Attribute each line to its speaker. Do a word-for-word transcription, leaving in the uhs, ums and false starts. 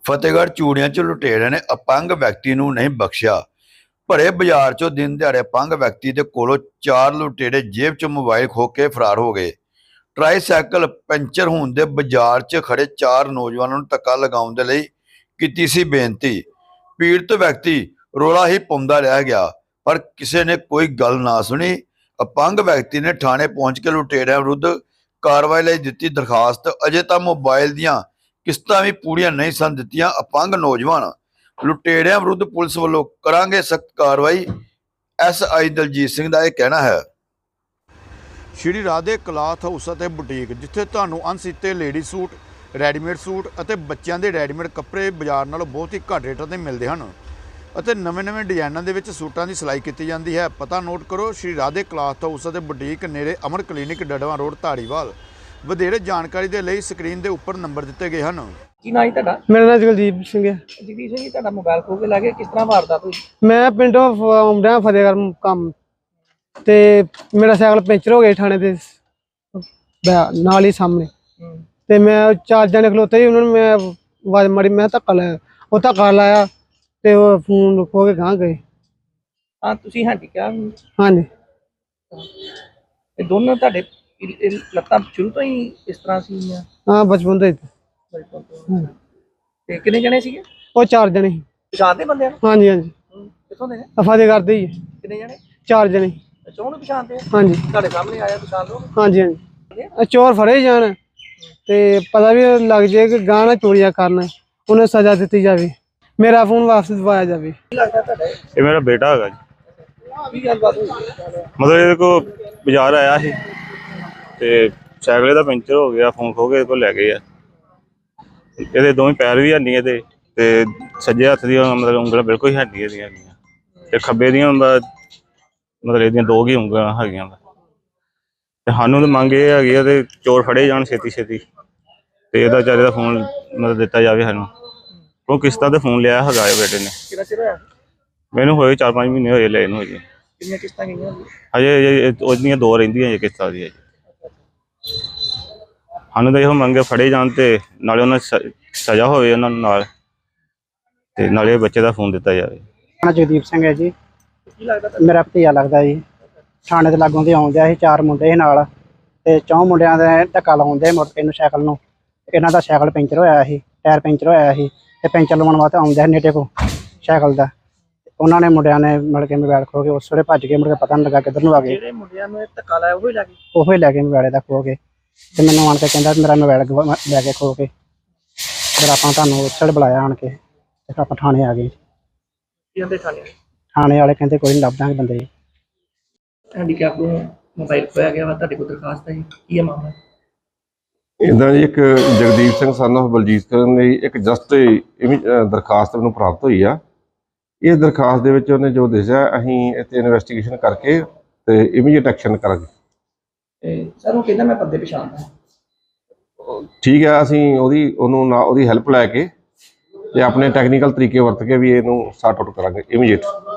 Speaker 1: ਫਤਿਹਗੜ੍ਹ ਚੂੜੀਆਂ 'ਚ ਲੁਟੇਰਿਆਂ ਨੇ ਅਪੰਗ ਵਿਅਕਤੀ ਨੂੰ ਨਹੀਂ ਬਖਸ਼ਿਆ। ਭਰੇ ਬਾਜ਼ਾਰ 'ਚੋਂ ਦਿਨ ਦਿਹਾੜੇ ਅਪੰਗ ਵਿਅਕਤੀ ਦੇ ਕੋਲੋਂ ਚਾਰ ਲੁਟੇਰੇ ਜੇਬ 'ਚ ਮੋਬਾਈਲ ਖੋਹ ਕੇ ਫਰਾਰ ਹੋ ਗਏ। ਟਰਾਈਸਾਈਕਲ ਪੈਂਚਰ ਹੋਣ ਦੇ ਬਾਜ਼ਾਰ 'ਚ ਖੜੇ ਚਾਰ ਨੌਜਵਾਨਾਂ ਨੂੰ ਧੱਕਾ ਲਗਾਉਣ ਦੇ ਲਈ ਕੀਤੀ ਸੀ ਬੇਨਤੀ। ਪੀੜਤ ਵਿਅਕਤੀ ਰੌਲਾ ਹੀ ਪਾਉਂਦਾ ਰਹਿ ਗਿਆ, ਪਰ ਕਿਸੇ ਨੇ ਕੋਈ ਗੱਲ ਨਾ ਸੁਣੀ। ਅਪੰਗ ਵਿਅਕਤੀ ਨੇ ਥਾਣੇ ਪਹੁੰਚ ਕੇ ਲੁਟੇਰਿਆਂ ਵਿਰੁੱਧ ਕਾਰਵਾਈ ਲਈ ਦਿੱਤੀ ਦਰਖਾਸਤ। ਅਜੇ ਤਾਂ ਮੋਬਾਈਲ ਦੀਆਂ ਕਿਸ਼ਤਾਂ ਵੀ ਪੂਰੀਆਂ ਨਹੀਂ ਸਨ ਦਿੱਤੀਆਂ। ਅਪੰਗ ਨੌਜਵਾਨ ਲੁਟੇਰਿਆਂ ਵਿਰੁੱਧ ਪੁਲਿਸ ਵੱਲੋਂ ਕਰਾਂਗੇ ਸਖਤ ਕਾਰਵਾਈ, ਐਸ ਆਈ ਦਲਜੀਤ ਸਿੰਘ ਦਾ ਇਹ ਕਹਿਣਾ ਹੈ। ਸ਼੍ਰੀ ਰਾਧੇ ਕਲਾਥ ਹਾਊਸ ਅਤੇ ਬੁਟੀਕ, ਜਿੱਥੇ ਤੁਹਾਨੂੰ ਅਣਸੀਤੇ ਲੇਡੀ ਸੂਟ, ਰੈਡੀਮੇਡ ਸੂਟ ਅਤੇ ਬੱਚਿਆਂ ਦੇ ਰੈਡੀਮੇਡ ਕੱਪੜੇ ਬਾਜ਼ਾਰ ਨਾਲੋਂ ਬਹੁਤ ਹੀ ਘੱਟ ਰੇਟਾਂ 'ਤੇ ਮਿਲਦੇ ਹਨ ਅਤੇ ਨਵੇਂ-ਨਵੇਂ ਡਿਜ਼ਾਈਨਾਂ ਦੇ ਵਿੱਚ ਸੂਟਾਂ ਦੀ ਸਿਲਾਈ ਕੀਤੀ ਜਾਂਦੀ ਹੈ। ਪਤਾ ਨੋਟ ਕਰੋ, ਸ਼੍ਰੀ ਰਾਧੇ ਕਲਾਥ ਹਾਊਸ ਅਤੇ ਬੁਟੀਕ, ਨੇੜੇ ਅਮਰ ਕਲੀਨਿਕ, ਡੜਵਾ ਰੋਡ, ਧਾਰੀਵਾਲ। ਵਧੇਰੇ ਜਾਣਕਾਰੀ ਦੇ ਲਈ ਸਕਰੀਨ ਦੇ ਉੱਪਰ ਨੰਬਰ ਦਿੱਤੇ ਗਏ ਹਨ।
Speaker 2: ਕੀ ਨਾਂ ਹੈ ਤੁਹਾਡਾ?
Speaker 3: ਮੇਰਾ ਨਾਮ ਜਗਦੀਪ ਸਿੰਘ ਹੈ।
Speaker 2: ਜਗਦੀਪ ਸਿੰਘ ਜੀ, ਤੁਹਾਡਾ ਮੋਬਾਈਲ ਖੋਹ ਕੇ ਲੈ ਗਏ, ਕਿਸ ਤਰ੍ਹਾਂ ਵਾਰਦਾਤ ਹੋਈ?
Speaker 3: ਮੈਂ ਪਿੰਡੋਂ ਆਉਂਦਾ ਫਤਿਹਗੜ੍ਹ ਕੰਮ ਤੇ ਮੇਰਾ ਸਾਈਕਲ ਪੈਂਚਰ ਹੋ ਗਿਆ ਥਾਣੇ ਦੇ ਨਾਲ ਹੀ ਸਾਹਮਣੇ। ਤੇ ਮੈਂ ਚਾਰ ਜਣੇ ਖਲੋਤੇ ਸੀ, ਉਹਨਾਂ ਨੂੰ ਮੈਂ ਆਵਾਜ਼ ਮਾਰੀ, ਮੈਂ ਧੱਕਾ ਲਾਇਆ, ਉਹ ਧੱਕਾ ਲਾਇਆ ਤੇ ਉਹ ਫੋਨ ਖੋ ਕੇ ਗਾਂ ਗਏ।
Speaker 2: ਹਾਂ, ਤੁਸੀਂ ਹਾਂਜੀ ਕਿਹਾ?
Speaker 3: ਹਾਂਜੀ।
Speaker 2: ਇਹ ਦੋਨੋਂ ਤੁਹਾਡੇ ਇਹ ਲੱਤਾਂ ਸ਼ੁਰੂ ਤੋਂ ਹੀ ਇਸ ਤਰ੍ਹਾਂ ਸੀ?
Speaker 3: ਹਾਂ, ਬਚਪਨ ਤੋਂ ਹੀ।
Speaker 2: ਬਚਪਨ ਤੋਂ। ਤੇ ਕਿੰਨੇ ਜਣੇ ਸੀਗੇ?
Speaker 3: ਉਹ ਚਾਰ ਜਣੇ ਸੀ।
Speaker 2: ਪਛਾਣਦੇ ਬੰਦਿਆਂ ਨੂੰ?
Speaker 3: ਹਾਂਜੀ ਹਾਂਜੀ।
Speaker 2: ਕਿੱਥੋਂ ਦੇ ਨੇ?
Speaker 3: ਫਤਿਹਗੜ੍ਹ ਦੇ ਹੀ।
Speaker 2: ਕਿੰਨੇ ਜਣੇ?
Speaker 3: ਚਾਰ ਜਣੇ।
Speaker 2: ਅੱਛਾ, ਉਹਨੂੰ ਪਛਾਣਦੇ ਆ?
Speaker 3: ਹਾਂਜੀ।
Speaker 2: ਤੁਹਾਡੇ ਸਾਹਮਣੇ ਆਇਆ, ਪਛਾਣ ਲਓ?
Speaker 3: ਹਾਂਜੀ ਹਾਂਜੀ। ਚੋਰ ਫੜੇ ਜਾਣ ਤੇ ਪਤਾ ਵੀ ਲੱਗ ਜਾਏ ਕਿ ਗਾਂ ਨਾ ਚੋਰੀਆਂ ਕਰਨ, ਉਹਨੂੰ ਸਜ਼ਾ ਦਿੱਤੀ ਜਾਵੇ, ਮੇਰਾ ਫੋਨ ਵਾਪਸ ਦਿਵਾਇਆ ਜਾਵੇ।
Speaker 2: ਕੀ ਲੱਗਦਾ ਤੁਹਾਡਾ?
Speaker 4: ਇਹ ਮੇਰਾ ਬੇਟਾ ਹੈਗਾ ਜੀ।
Speaker 2: ਕੀ ਗੱਲਬਾਤ ਹੋਈ?
Speaker 4: ਮਤਲਬ ਇਹਦੇ ਕੋਲ ਬਾਜ਼ਾਰ ਆਇਆ ਸੀ ਤੇ ਸਾਈਕਲ ਦਾ ਪੈਂਚਰ ਹੋ ਗਿਆ, ਫੋਨ ਖੋ ਕੇ ਇਹਦੇ ਕੋਲ ਲੈ ਗਏ ਆ। ਇਹਦੇ ਦੋਵੇਂ ਪੈਰ ਵੀ ਹੈਨੀ ਇਹਦੇ, ਤੇ ਸੱਜੇ ਹੱਥ ਦੀਆਂ ਮਤਲਬ ਉਂਗਲਾਂ ਬਿਲਕੁਲ ਹੀ ਹੈਨੀ ਇਹਦੀਆਂ ਹੈਗੀਆਂ, ਤੇ ਖੱਬੇ ਦੀਆਂ ਮਤਲਬ ਇਹਦੀਆਂ ਦੋ ਹੀ ਉਂਗਲਾਂ ਹੈਗੀਆਂ। ਤੇ ਸਾਨੂੰ ਤਾਂ ਮੰਗ ਇਹ ਹੈਗੀ ਆ ਤੇ ਚੋਰ ਫੜੇ ਜਾਣ ਛੇਤੀ ਛੇਤੀ, ਤੇ ਇਹਦਾ ਵਿਚਾਰੇ ਦਾ ਫੋਨ ਮਤਲਬ ਦਿੱਤਾ ਜਾਵੇ ਸਾਨੂੰ। ਉਹ ਕਿਸ਼ਤਾਂ ਤੇ ਫੋਨ ਲਿਆ ਹੈਗਾ ਹੈ ਬੇਟੇ ਨੇ।
Speaker 2: ਕਿੰਨਾ ਚਿਰ ਹੋਇਆ?
Speaker 4: ਮੈਨੂੰ ਹੋਏ ਚਾਰ ਪੰਜ ਮਹੀਨੇ ਹੋਏ ਲਏ ਨੂੰ। ਹਜੇ
Speaker 2: ਕਿੰਨੀਆਂ ਕਿਸ਼ਤਾਂ ਗਈਆਂ?
Speaker 4: ਹਜੇ ਉਹਦੀਆਂ ਦੋ ਰਹਿੰਦੀਆਂ ਜੀ ਕਿਸ਼ਤਾਂ ਦੀਆਂ ਜੀ। ਸਾਨੂੰ ਤਾਂ ਇਹੋ ਮੰਗੇ ਫੜੇ ਜਾਣ ਤੇ ਨਾਲੇ ਉਹਨਾਂ ਸਜ਼ਾ ਹੋਵੇ ਉਹਨਾਂ ਨੂੰ, ਨਾਲ ਤੇ ਨਾਲੇ ਬੱਚੇ ਦਾ ਫੋਨ ਦਿੱਤਾ ਜਾਵੇ।
Speaker 3: ਜਗਦੀਪ ਸਿੰਘ ਹੈ ਜੀ।
Speaker 2: ਕੀ ਲੱਗਦਾ?
Speaker 3: ਮੇਰਾ ਭਤੀਜਾ ਲੱਗਦਾ ਜੀ। ਥਾਣੇ ਦੇ ਲਾਗੋਂ ਦੀ ਆਉਂਦਿਆ ਸੀ, ਚਾਰ ਮੁੰਡੇ ਸੀ ਨਾਲ, ਤੇ ਚੌਂ ਮੁੰਡਿਆਂ ਦੇ ਧੱਕਾ ਲਾਉਂਦੇ ਮੋਟਰਸਾਈਕਲ ਨੂੰ, ਸਾਈਕਲ ਨੂੰ। ਇਹਨਾਂ ਦਾ ਸਾਈਕਲ ਪੈਂਚਰ ਹੋਇਆ ਸੀ, ਟਾਇਰ ਪੈਂਚਰ ਹੋਇਆ ਸੀ, ਤੇ ਪੈਂਚਰ ਲਵਾਉਣ ਵਾਸਤੇ ਆਉਂਦੇ ਸੀ ਨੇੜੇ ਕੋਲ ਸਾਈਕਲ ਦਾ। ਉਹਨਾਂ ਨੇ ਮੁੰਡਿਆਂ ਨੇ ਮਿਲ ਕੇ ਮੋਬਾਈਲ ਖੋ ਕੇ ਉਸ ਵੇਲੇ ਭੱਜ ਗਏ, ਮੁੜ ਕੇ ਪਤਾ ਨਹੀਂ ਲੱਗਾ ਕਿੱਧਰ ਨੂੰ ਆ ਗਏ।
Speaker 2: ਜਿਹੜੇ ਮੁੰਡਿਆਂ ਨੂੰ ਧੱਕਾ ਲਾਇਆ ਉਹ ਹੀ ਲੈ ਗਏ?
Speaker 3: ਉਹੀ ਲੈ ਕੇ ਮੋਬਾਈਲ ਦਾ ਖੋ ਕੇ, ਤੇ ਮੈਨੂੰ ਆਣ ਕੇ ਕਹਿੰਦਾ ਮੇਰਾ ਮੋਬਾਈਲ ਲੈ ਕੇ ਖੋ ਕੇ। ਫਿਰ ਆਪਾਂ ਤੁਹਾਨੂੰ ਉਸ ਵੇਲੇ ਬੁਲਾਇਆ ਆਣ ਕੇ, ਤੇ ਆਪਾਂ ਥਾਣੇ ਆ ਗਏ।
Speaker 2: ਕੀ ਕਹਿੰਦੇ ਥਾਣੇ?
Speaker 3: ਥਾਣੇ ਵਾਲੇ ਕਹਿੰਦੇ ਕੋਈ ਨਹੀਂ, ਲੱਭ ਦਾਂਗੇ ਬੰਦੇ।
Speaker 2: ਹੈਂਡੀਕੈਪ ਨੂੰ ਮੋਬਾਈਲ ਖੋਇਆ ਗਿਆ ਵਾ, ਤੁਹਾਡੇ ਕੋਲ ਦਰਖਾਸਤ ਹੈ ਜੀ, ਕੀ ਹੈ ਮਾਮਲਾ?
Speaker 5: ਇੱਦਾਂ ਜੀ ਇੱਕ ਜਗਦੀਪ ਸਿੰਘ ਸਨ ਆਫ ਬਲਜੀਤ ਕਰਨ ਲਈ ਇੱਕ ਜਸਟ ਦਰਖਾਸਤ ਮੈਨੂੰ ਪ੍ਰਾਪਤ ਹੋਈ ਆ। ਇਸ ਦਰਖਾਸਤ ਦੇ ਵਿੱਚ ਉਹਨੇ ਜੋ ਦੱਸਿਆ, ਅਸੀਂ ਇੱਥੇ ਇਨਵੈਸਟੀਗੇਸ਼ਨ ਕਰਕੇ ਤੇ ਇਮੀਡੀਏਟ ਐਕਸ਼ਨ ਕਰਾਂਗੇ।
Speaker 2: ਸਰ ਉਹ ਕਹਿੰਦਾ ਮੈਂ ਬੰਦੇ ਪਛਾਣਦਾ।
Speaker 5: ਠੀਕ ਹੈ, ਅਸੀਂ ਉਹਦੀ ਉਹਨੂੰ ਨਾ ਉਹਦੀ ਹੈਲਪ ਲੈ ਕੇ ਤੇ ਆਪਣੇ ਟੈਕਨੀਕਲ ਤਰੀਕੇ ਵਰਤ ਕੇ ਵੀ ਇਹਨੂੰ ਸੌਰਟ ਆਊਟ ਕਰਾਂਗੇ ਇਮੀਡੀਏਟ।